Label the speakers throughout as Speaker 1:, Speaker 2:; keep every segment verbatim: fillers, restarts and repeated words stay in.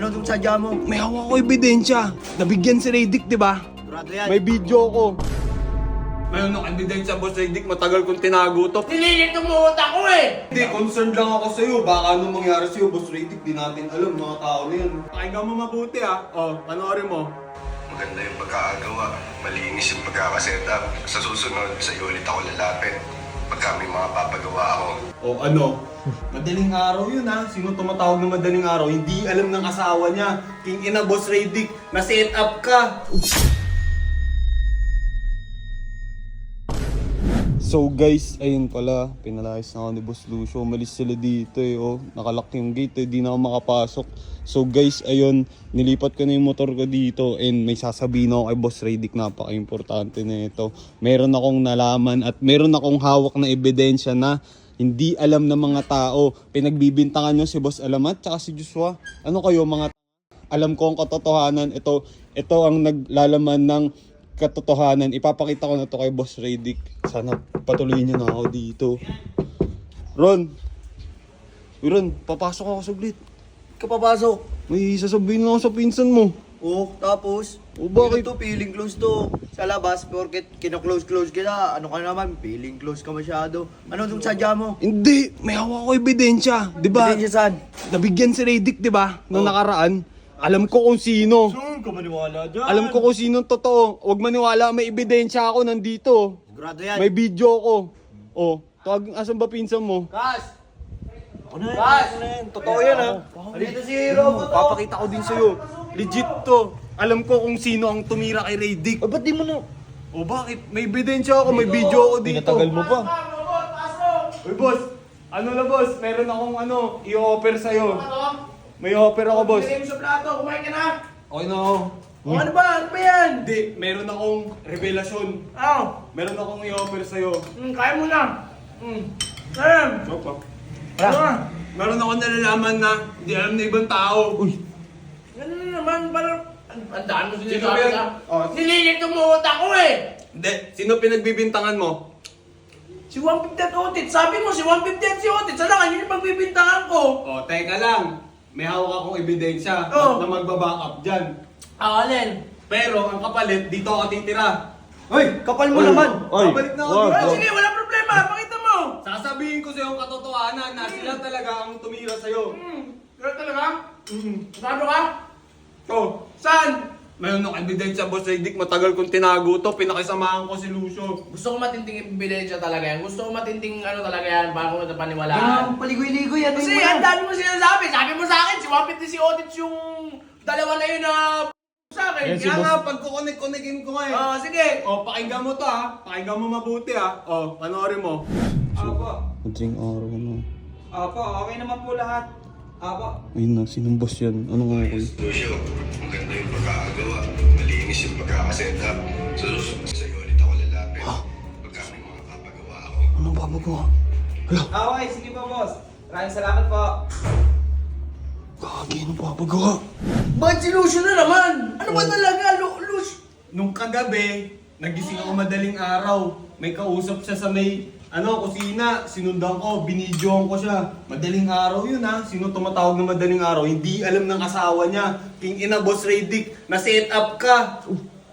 Speaker 1: Ano itong sadya mo?
Speaker 2: May hawak ko ebidensya. Nabigyan si Radic, di ba?
Speaker 1: Sigurado yan.
Speaker 2: May video ko. Mayroon ng ebidensya, Boss Radic. Matagal kong tinago to.
Speaker 3: Nililit mo utak ko eh!
Speaker 2: Hindi, concerned lang ako sa'yo. Baka anong mangyari sa'yo, Boss Radic. Di natin alam, mga tao na yan. Pakinggan mo mabuti ha. O, panoorin mo.
Speaker 4: Maganda yung pagkakagawa. Malinis yung pagkakasetup. Sa susunod, sa'yo ulit ako lalapit. Pagka may mga papagawa ako.
Speaker 2: O ano? Madaling araw yun ha. Sino tumatawag ng madaling araw? Hindi alam ng asawa niya. King ina, Boss Radic. Na-set up ka. So guys, ayun pala, pinalayas na ako ni Boss Lucio. Umalis sila dito eh, oh. Nakalock yung gate eh, di na ako makapasok. So guys, ayun, nilipat ko na yung motor ko dito and may sasabihin ako kay Boss Radic, napaka-importante na ito. Meron akong nalaman at meron akong hawak na ebidensya na hindi alam ng mga tao. Pinagbibintangan nyo si Boss Alamat tsaka si Joshua. Ano kayo mga t- alam ko ang katotohanan. Ito, ito ang naglalaman ng katotohanan. Ipapakita ko na to kay Boss Radic. Sana patuloy niyo na ako dito. Ron! Uy Ron, papasok ako saglit.
Speaker 1: Kapapasok.
Speaker 2: May sasabihin lang ako sa pinsan mo.
Speaker 1: Oo, tapos?
Speaker 2: O, bakit?
Speaker 1: Ito, feeling close to. Sa labas, porket kino-close-close kita. Ano ka naman, feeling close ka masyado. Ano itong sadya mo?
Speaker 2: Hindi, may hawak ko ebidensya. Di ba?
Speaker 1: Ebidensya saan?
Speaker 2: Nabigyan si Radic, di ba? Nung
Speaker 1: Oh.
Speaker 2: nakaraan. Alam ko kung sino.
Speaker 1: Saan ka maniwala dyan?
Speaker 2: Alam ko kung sino totoo. Huwag maniwala, may ebidensya ako nandito.
Speaker 1: Sigurado yan.
Speaker 2: May video ko. Oh, tawag, asan ba pinsan mo?
Speaker 3: Kas!
Speaker 1: Ako na yan.
Speaker 3: Kas!
Speaker 1: Ako na yan. Totoo yan ha. Halito si Robot oh.
Speaker 2: Papakita ko din sa'yo. Legit to. Alam ko kung sino ang tumira kay Radic.
Speaker 1: Ay, ba't di mo na?
Speaker 2: O bakit? May ebidensya ako, may video ako dito.
Speaker 1: mo pa.
Speaker 3: Robot, pasok!
Speaker 2: Uy boss, ano na boss? Meron akong ano, i-offer sa'yo.
Speaker 3: Ano?
Speaker 2: May offer ako boss.
Speaker 3: Bigay mo sa plato, kumain ka na!
Speaker 2: Okay na ako.
Speaker 3: O ano ba? Ano ba yan?
Speaker 2: Hindi, meron akong revelasyon.
Speaker 3: Ano?
Speaker 2: Meron akong i-offer sa'yo.
Speaker 3: Hmm, kaya mo na. Hmm. Ayan.
Speaker 2: Opa.
Speaker 3: Ano na?
Speaker 2: Meron akong nalalaman na hindi alam na ibang tao. Uy.
Speaker 3: Ano na naman? Parang... Ang ang daan mo
Speaker 2: Sino
Speaker 3: sinasabi
Speaker 2: yan?
Speaker 3: ka?
Speaker 2: Oh.
Speaker 3: Nililit mo utak ko eh!
Speaker 2: Hindi, sino pinagbibintangan mo?
Speaker 3: Si one fifty at Otit. Sabi mo si one fifty at si Otit. Sa lang, yun yung pagbibintangan ko.
Speaker 2: O, teka lang. May hawak akong ebidensya
Speaker 3: Oh.
Speaker 2: na magbaback up dyan.
Speaker 3: Ah, alin?
Speaker 2: Pero ang kapalit, dito ako titira.
Speaker 1: Hoy, kapal mo naman.
Speaker 2: Babalik na ako
Speaker 1: Wag.
Speaker 2: dito.
Speaker 3: Ah, sige, wala problema. Pakita mo.
Speaker 2: Sasabihin ko sa'yo ang katotohanan na sila talaga ang tumira sa'yo.
Speaker 3: Hmm. Kaya talaga?
Speaker 2: Mm.
Speaker 3: Sigurado ka?
Speaker 2: So,
Speaker 3: Saan?
Speaker 2: mayroon akong ebidensya, Boss Radic. Matagal kong tinago to. Pinakisamahan ko si Lucio.
Speaker 3: Gusto ko matinding ebidensya talaga yan. Gusto ko matinding ano talaga yan para ko
Speaker 1: Ganun,
Speaker 3: matapaniwalaan.
Speaker 1: paligoy-ligoy yan.
Speaker 3: Kasi ang dami mo sinasabi. Sabi mo sa akin, si one fifty si Otit yung dalawa na yun na sa akin.
Speaker 2: Kaya nga, pagkukonek-konekin ko nga eh.
Speaker 3: Oh, sige.
Speaker 2: O, pakinggan mo to ha. Pakinggan mo mabuti ha. O, panoorin mo.
Speaker 5: Apo.
Speaker 2: Madaling araw na.
Speaker 5: Apo, okay naman po lahat. Apo.
Speaker 2: Ayun na, sinong boss yan? Ano nga ako?
Speaker 4: Lucio, maganda yung pagkakagawa. Malinis yung pagkakasetup. Sa susunod, sa'yo ulit ako lalapit. Pagka may mga papagawa ako.
Speaker 2: Anong babagawa? Hala,
Speaker 5: Okay, sige po boss. Maraming salamat po.
Speaker 2: kagi, anong babagawa?
Speaker 3: Bakit si Lucio na naman? Ano ba talaga, Lu Lucio?
Speaker 2: Nung kagabi, nagising ako madaling araw. May kausap siya sa may, ano, kusina. Sinundan ko, binidyoan ko siya. Madaling araw yun ha. Sino tumatawag ng madaling araw? Hindi alam ng asawa niya. King ina, Boss Radic, na-set up ka.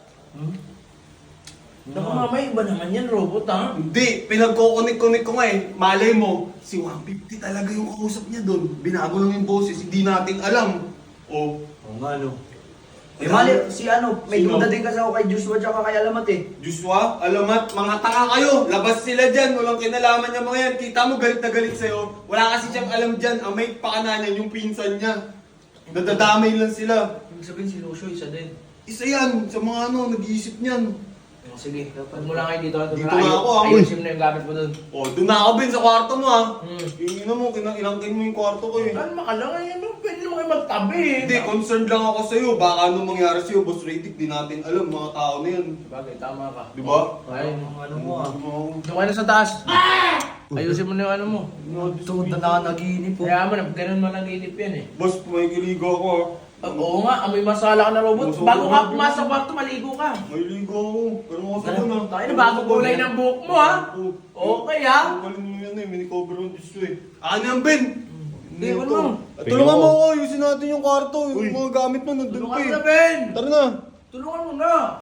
Speaker 3: Naku mamay, iba naman yan, robot ha?
Speaker 2: Hindi, pinagkukunik-kunik ko nga eh. Malay mo, si one fifty talaga yung kausap niya doon. Binago lang yung boses, hindi natin alam. O,
Speaker 1: Oo nga no. Eh mali, si ano, may
Speaker 2: Sino?
Speaker 1: duda din kasi ako kay Joshua tsaka kay Alamat eh.
Speaker 2: Joshua, alamat, mga tanga kayo. Labas sila dyan, walang kinalaman niya mga yan. Kita mo galit na galit sa'yo. Wala kasi siyang alam dyan. Ang may pakana niya, yung pinsan niya. Nadadamay lang sila.
Speaker 3: Ibig sabihin si Lucio, isa din.
Speaker 2: Isa yan, sa mga ano, nag-iisip niyan.
Speaker 3: Oh, sige, dapat mo lang kayo dito.
Speaker 2: Dito na ako, ah.
Speaker 3: Ayusin mo na yung gamit mo dun.
Speaker 2: O, doon na ako bin sa kwarto mo ha.
Speaker 3: Hmm.
Speaker 2: Yung ina mo, kinangkin mo yung kwarto ko eh.
Speaker 3: Ano makalang, ano, pwede naman kayo magtabi eh.
Speaker 2: Hindi, concerned lang ako sa'yo. Baka anong mangyari sa'yo, Boss Radic, di natin alam, mga tao na yan.
Speaker 3: Bagay, tama ka.
Speaker 2: Di ba?
Speaker 3: Ay,
Speaker 1: Ano mo ah.
Speaker 3: doon ka na sa taas. Ayusin mo na yung ano mo.
Speaker 1: Tuod na na nagiinip po.
Speaker 3: Kaya mo na, ganun man ang inip yan eh.
Speaker 2: Boss, may kiligo ako ha.
Speaker 3: Ah, oo nga, amoy masala ka na robot.
Speaker 2: Masala
Speaker 3: Bago
Speaker 2: ka
Speaker 3: ka
Speaker 2: na.
Speaker 3: pumasok sa kwarto, maligo ka.
Speaker 2: May ligo ako. Pero mga sabon ha.
Speaker 3: Tayo na, bago kulay ng buhok mo ha. Okay ha.
Speaker 2: Ang galing mo yan eh, mini-cover ng Diyos ko eh. Ano yan, Ben?
Speaker 3: Hindi, wala mo.
Speaker 2: Tulungan mo ako, ayusin natin yung kwarto. Yung mga gamit mo nandun
Speaker 3: Tulungan
Speaker 2: pa
Speaker 3: mo
Speaker 2: eh.
Speaker 3: na, Ben!
Speaker 2: Tara na.
Speaker 3: Tulungan mo na!